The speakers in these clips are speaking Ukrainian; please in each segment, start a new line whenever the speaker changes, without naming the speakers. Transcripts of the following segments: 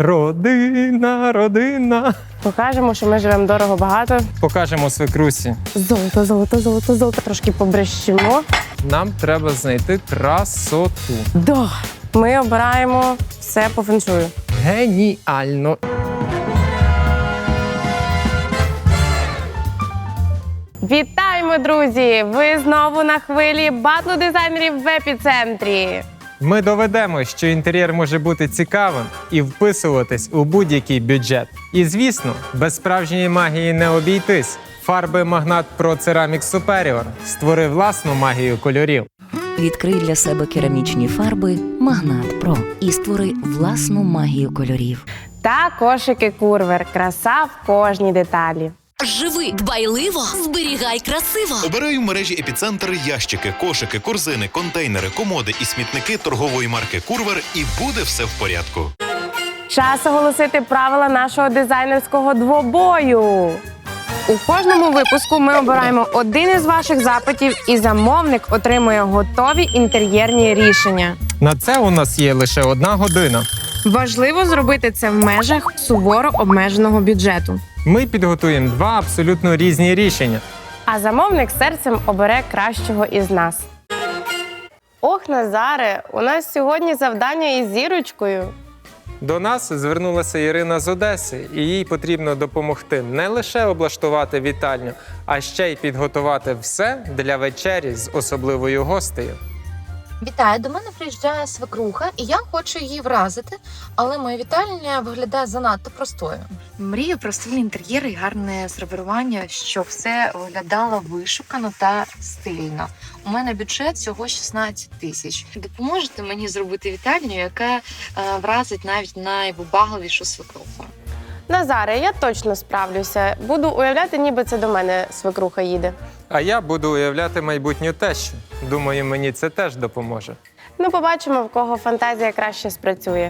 Родина, родина.
Покажемо, що ми живемо дорого-багато.
Покажемо свекрусі.
Золото, золото, золото, золото. Трошки побрещимо.
Нам треба знайти красоту.
Да. Ми обираємо все по феншую.
Геніально.
Вітаємо, друзі! Ви знову на хвилі батлу дизайнерів в епіцентрі.
Ми доведемо, що інтер'єр може бути цікавим і вписуватись у будь-який бюджет. І, звісно, без справжньої магії не обійтись. Фарби Magnat Pro Ceramic Superior. Створи власну магію кольорів.
Відкрий для себе керамічні фарби Magnat Pro і створи власну магію кольорів.
Та кошики Курвер. Краса в кожній деталі.
Живи дбайливо, зберігай красиво.
Обирай в мережі «Епіцентр» ящики, кошики, корзини, контейнери, комоди і смітники торгової марки «Курвер» і буде все в порядку.
Час оголосити правила нашого дизайнерського двобою. У кожному випуску ми обираємо один із ваших запитів, і замовник отримує готові інтер'єрні рішення.
На це у нас є лише 1 година.
Важливо зробити це в межах суворо обмеженого бюджету.
Ми підготуємо 2 абсолютно різні рішення.
А замовник серцем обере кращого із нас. Ох, Назаре, у нас сьогодні завдання із зірочкою.
До нас звернулася Ірина з Одеси, і їй потрібно допомогти не лише облаштувати вітальню, а ще й підготувати все для вечері з особливою гостею.
Вітаю, до мене приїжджає свекруха, і я хочу її вразити, але моя вітальня виглядає занадто простою. Мрію про стильний інтер'єр і гарне сервірування, щоб все виглядало вишукано та стильно. У мене бюджет всього 16 тисяч. Допоможете мені зробити вітальню, яка вразить навіть найвибагливішу свекруху?
Назаре, я точно справлюся. Буду уявляти, ніби це до мене свекруха їде.
А я буду уявляти майбутню тещу. Думаю, мені це теж допоможе.
Ну, побачимо, в кого фантазія краще спрацює.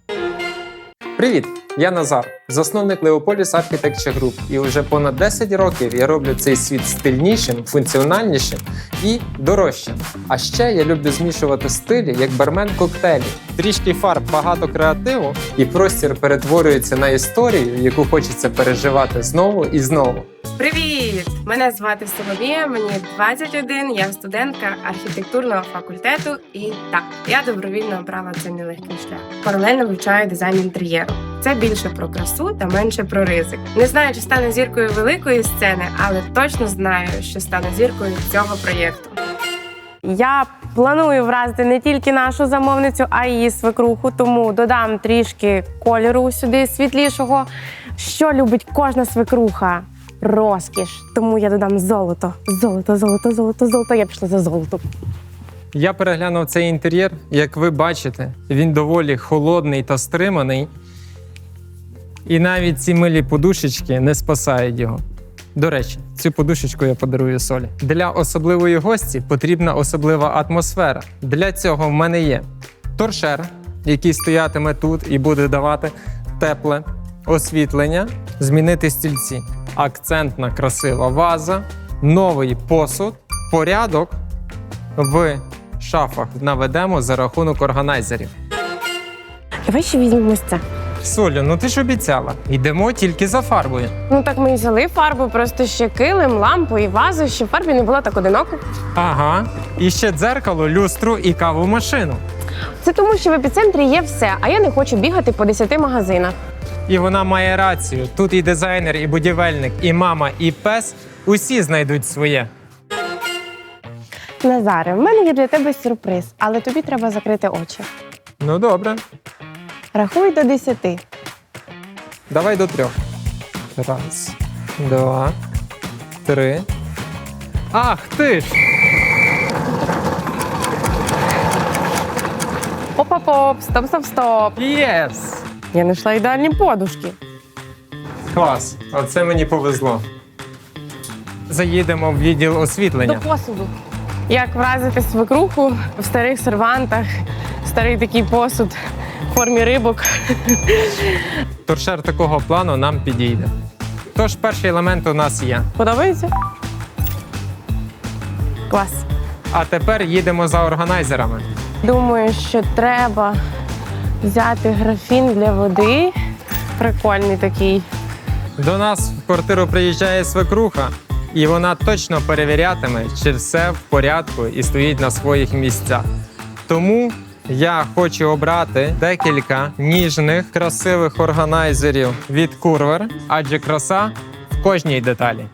Привіт! Я Назар, засновник Leopolis Architecture Group. І вже понад 10 років я роблю цей світ стильнішим, функціональнішим і дорожчим. А ще я люблю змішувати стилі, як бармен коктейлі. Трішки фарб, багато креативу, і простір перетворюється на історію, яку хочеться переживати знову і знову.
Привіт! Мене звати Соломія, мені 21, я студентка архітектурного факультету. І так, я добровільно обрала цей нелегкий шлях. Паралельно вивчаю дизайн інтер'єру. Це більше про красу та менше про ризик. Не знаю, чи стану зіркою великої сцени, але точно знаю, що стану зіркою цього проєкту. Я планую вразити не тільки нашу замовницю, а й її свекруху, тому додам трішки кольору сюди світлішого. Що любить кожна свекруха? Розкіш. Тому я додам золото. Золото, золото, золото, золото. Я пішла за золотом.
Я переглянув цей інтер'єр. Як ви бачите, він доволі холодний та стриманий. І навіть ці милі подушечки не спасають його. До речі, цю подушечку я подарую Солі. Для особливої гості потрібна особлива атмосфера. Для цього в мене є торшер, який стоятиме тут і буде давати тепле освітлення, змінити стільці. Акцентна красива ваза, новий посуд, порядок в шафах наведемо за рахунок органайзерів.
Давай ще візьмемо це.
Солю, ну ти ж обіцяла, йдемо тільки за фарбою.
Ну так ми і взяли фарбу, просто ще килим, лампу і вазу, щоб фарбі не було так одиноко.
Ага, і ще дзеркало, люстру і кавомашину.
Це тому, що в епіцентрі є все, а я не хочу бігати по 10 магазинах.
І вона має рацію. Тут і дизайнер, і будівельник, і мама, і пес – усі знайдуть своє.
Назаре, в мене є для тебе сюрприз, але тобі треба закрити очі.
Ну добре,
Рахуй до 10.
давай до 3. 1, 2, 3. Ах ти ж!
Оп-оп-оп, стоп-стоп-стоп.
Єс!
Я знайшла ідеальні подушки.
Клас, оце мені повезло. Заїдемо в відділ освітлення.
До посуду. Як вразити свекруху в старих сервантах, старий такий посуд в формі рибок.
Торшер такого плану нам підійде. Тож перший елемент у нас є.
Подобається? Клас.
А тепер їдемо за органайзерами.
Думаю, що треба взяти графін для води Прикольний такий.
До нас в квартиру приїжджає свекруха, і вона точно перевірятиме, чи все в порядку і стоїть на своїх місцях. Тому я хочу обрати декілька ніжних, красивих органайзерів від Курвер, адже краса в кожній деталі.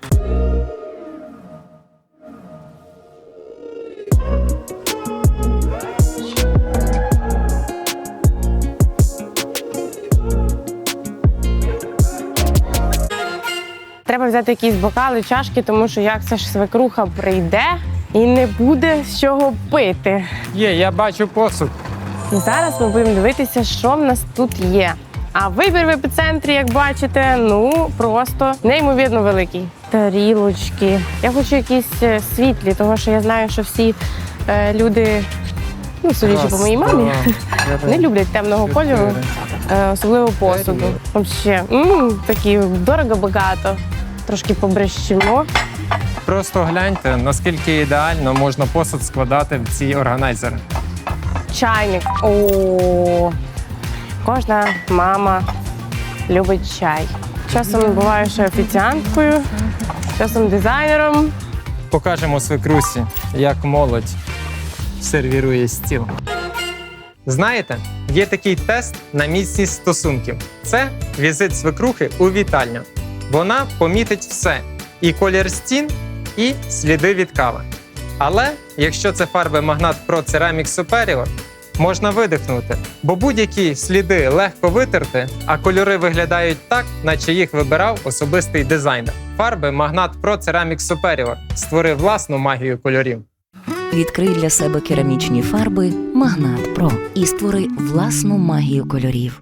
Треба взяти якісь бокали, чашки, тому що як це ж свекруха прийде і не буде з чого пити.
Я бачу посуд.
І зараз ми будемо дивитися, що в нас тут є. А вибір в епіцентрі, як бачите, ну просто неймовірно великий. Тарілочки. Я хочу якісь світлі, тому що я знаю, що всі люди, ну, судячи по моїй мамі, не люблять темного кольору, особливо посуду. Взагалі, такі дорого-багато. Трошки побрещимо.
Просто гляньте, наскільки ідеально можна посуд складати в ці органайзери.
Чайник. О, кожна мама любить чай. Часом буваю ще офіціанткою, часом дизайнером.
Покажемо свекрусі, як молодь сервірує стіл. Знаєте, є такий тест на міцність стосунків. Це візит свекрухи у вітальню. Вона помітить все – і колір стін, і сліди від кави. Але якщо це фарби Magnat Pro Ceramic Superior, можна видихнути, бо будь-які сліди легко витерти, а кольори виглядають так, наче їх вибирав особистий дизайнер. Фарби Magnat Pro Ceramic Superior створив власну магію кольорів.
Відкрий для себе керамічні фарби Magnat Pro і створи власну магію кольорів.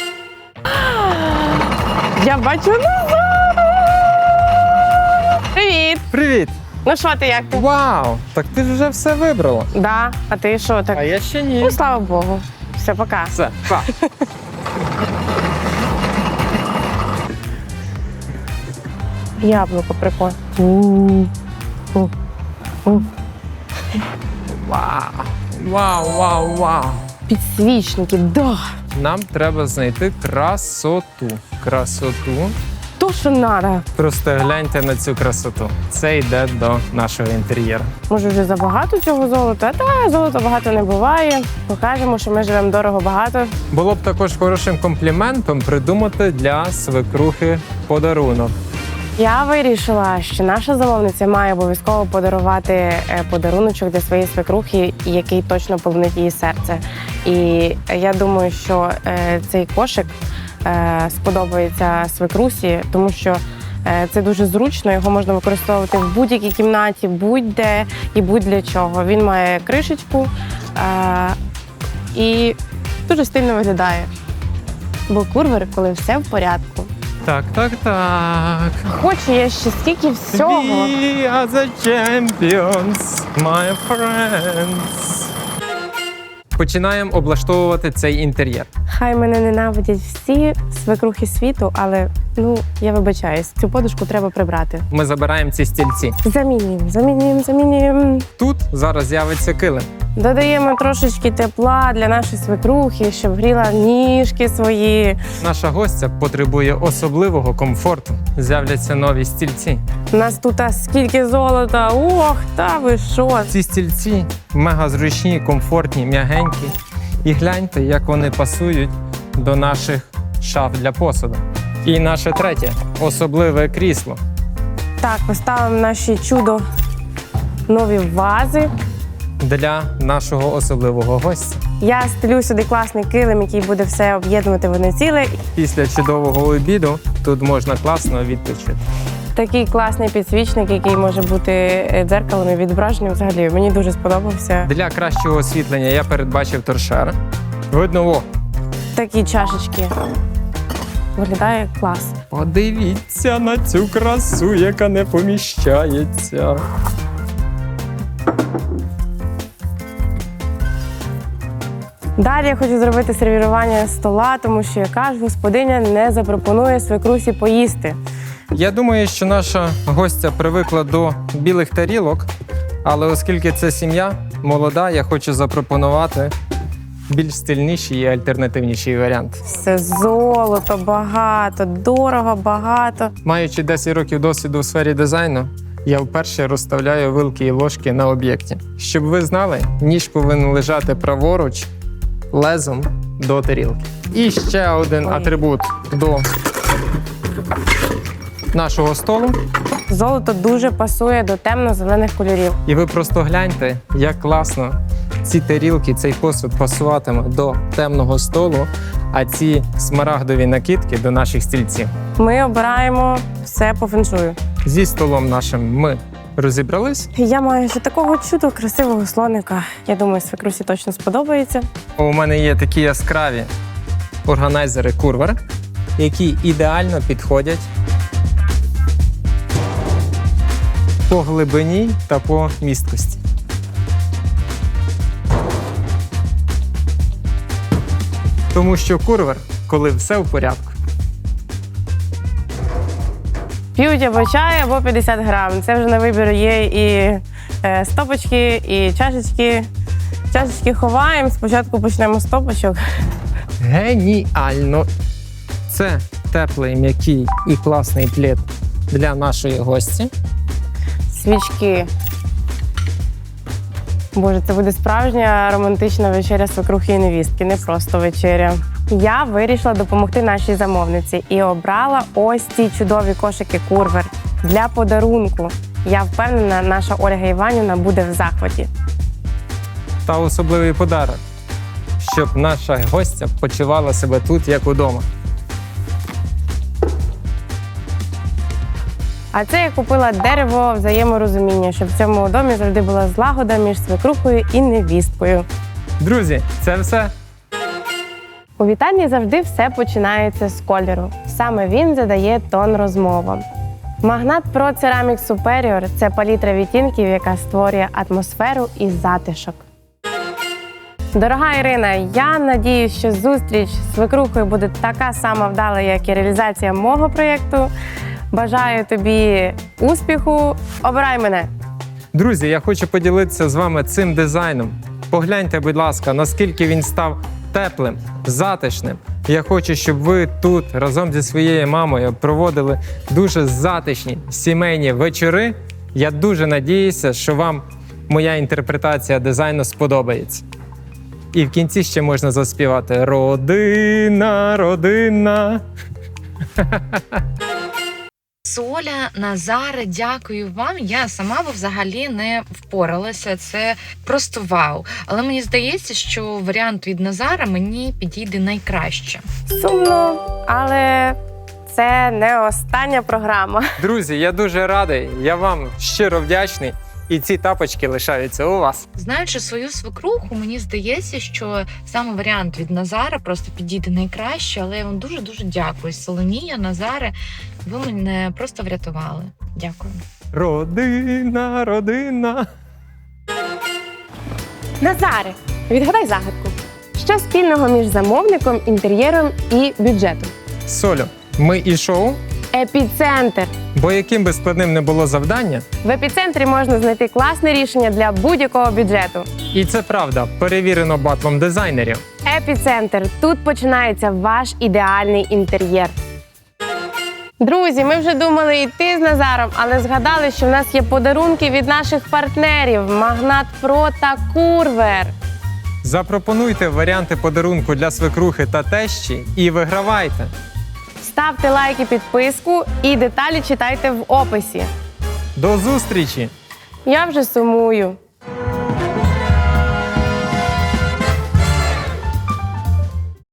Я бачу назад! Привіт!
Привіт!
Ну що ти, як ти?
Вау! Так ти ж вже все вибрала.
Да, а ти що так?
А я ще ні.
Ну, слава Богу. Все, пока.
Все, па.
Яблуко прикольне.
Вау!
Підсвічники, да.
Нам треба знайти красоту.
То, що треба.
Просто гляньте на цю красоту. Це йде до нашого інтер'єру.
Може, вже забагато цього золота? Та золота багато не буває. Покажемо, що ми живемо дорого-багато.
Було б також хорошим компліментом придумати для свекрухи подарунок.
Я вирішила, що наша замовниця має обов'язково подарувати подаруночок для своєї свекрухи, який точно полонить її серце. І я думаю, що цей кошик сподобається свекрусі, тому що це дуже зручно, його можна використовувати в будь-якій кімнаті, будь-де і будь-для чого. Він має кришечку і дуже стильно виглядає. Бо курвер, коли все в порядку.
Так.
Хочу я ще стільки всього.
We are the champions, my friends. Починаємо облаштовувати цей інтер'єр.
Хай мене ненавидять всі свекрухи світу, але, я вибачаюсь, цю подушку треба прибрати.
Ми забираємо ці стільці.
Замінюємо.
Тут зараз з'явиться килим.
Додаємо трошечки тепла для нашої свекрухи, щоб гріла ніжки свої.
Наша гостя потребує особливого комфорту. З'являться нові стільці.
У нас тут скільки золота. Ох, та ви що?
Ці стільці мега зручні, комфортні, м'ягенькі. І гляньте, як вони пасують до наших шаф для посуду. І наше третє – особливе крісло.
Так, поставимо наші чудо нові вази.
Для нашого особливого гостя.
Я стелю сюди класний килим, який буде все об'єднувати в одне ціле.
Після чудового обіду тут можна класно відпочити.
Такий класний підсвічник, який може бути дзеркалом і відображенням. Взагалі, мені дуже сподобався.
Для кращого освітлення я передбачив торшер. Видно,
Такі чашечки. Виглядає клас.
подивіться на цю красу, яка не поміщається.
Далі я хочу зробити сервірування стола, тому що яка ж господиня не запропонує свекрусі поїсти.
Я думаю, що наша гостя привикла до білих тарілок, але оскільки це сім'я молода, я хочу запропонувати більш стильніший і альтернативніший варіант.
Все золото, багато, дорого, багато.
Маючи 10 років досвіду у сфері дизайну, я вперше розставляю вилки і ложки на об'єкті. Щоб ви знали, ніж повинен лежати праворуч лезом до тарілки. І ще один атрибут до нашого столу.
Золото дуже пасує до темно-зелених кольорів.
І ви просто гляньте, як класно ці тарілки, цей посуд пасуватиме до темного столу, а ці смарагдові накидки до наших стільців.
Ми обираємо все по феншую.
Зі столом нашим ми розібрались.
Я маю ще такого чудо красивого слоника. Я думаю, свекрусі точно сподобається.
У мене є такі яскраві органайзери Curver, які ідеально підходять по глибині та по місткості. Тому що Curver, коли все в порядку.
П'ють або чай, або 50 грам. Це вже на вибір є і стопочки, і чашечки. Чашечки ховаємо. Спочатку почнемо з стопочок.
Геніально! Це теплий, м'який і класний плед для нашої гості.
Свічки. Боже, це буде справжня романтична вечеря свекрухи і невістки, не просто вечеря. Я вирішила допомогти нашій замовниці і обрала ось ці чудові кошики Curver для подарунку. Я впевнена, наша Ольга Іванівна буде в захваті.
Та особливий подарок, щоб наша гостя почувала себе тут, як удома.
А це я купила дерево взаєморозуміння, щоб в цьому домі завжди була злагода між свекрухою і невісткою.
Друзі, це все.
У вітальні завжди все починається з кольору. Саме він задає тон розмовам. Магнат Pro Ceramic Superior – це палітра відтінків, яка створює атмосферу і затишок. Дорога Ірина, я надіюсь, що зустріч з свекрухою буде така сама вдала, як і реалізація мого проєкту. Бажаю тобі успіху. Обирай мене!
Друзі, я хочу поділитися з вами цим дизайном. Погляньте, будь ласка, наскільки він став теплим, затишним. Я хочу, щоб ви тут разом зі своєю мамою проводили дуже затишні сімейні вечори. Я дуже надіюся, що вам моя інтерпретація дизайну сподобається. І в кінці ще можна заспівати «Родина, родина».
Соля, Назаре, дякую вам. Я сама би взагалі не впоралася. Це просто вау. Але мені здається, що варіант від Назара мені підійде найкраще.
Сумно, але це не остання програма.
Друзі, я дуже радий, я вам щиро вдячний. І ці тапочки лишаються у вас.
Знаючи свою свекруху, мені здається, що саме варіант від Назара просто підійде найкраще, але я вам дуже-дуже дякую. Соломія, Назаре, ви мене просто врятували. Дякую.
Родина, родина.
Назаре, відгадай загадку. Що спільного між замовником, інтер'єром і бюджетом?
Солю, ми і шоу,
Епіцентр.
бо яким би складним не було завдання,
В епіцентрі можна знайти класне рішення для будь-якого бюджету.
і це правда, перевірено батлом дизайнерів.
Епіцентр. Тут починається ваш ідеальний інтер'єр. Друзі, ми вже думали йти з Назаром, але згадали, що в нас є подарунки від наших партнерів Магнат Pro та Curver.
Запропонуйте варіанти подарунку для свекрухи та тещі і вигравайте.
Ставте лайк і підписку, і деталі читайте в описі.
До зустрічі!
Я вже сумую.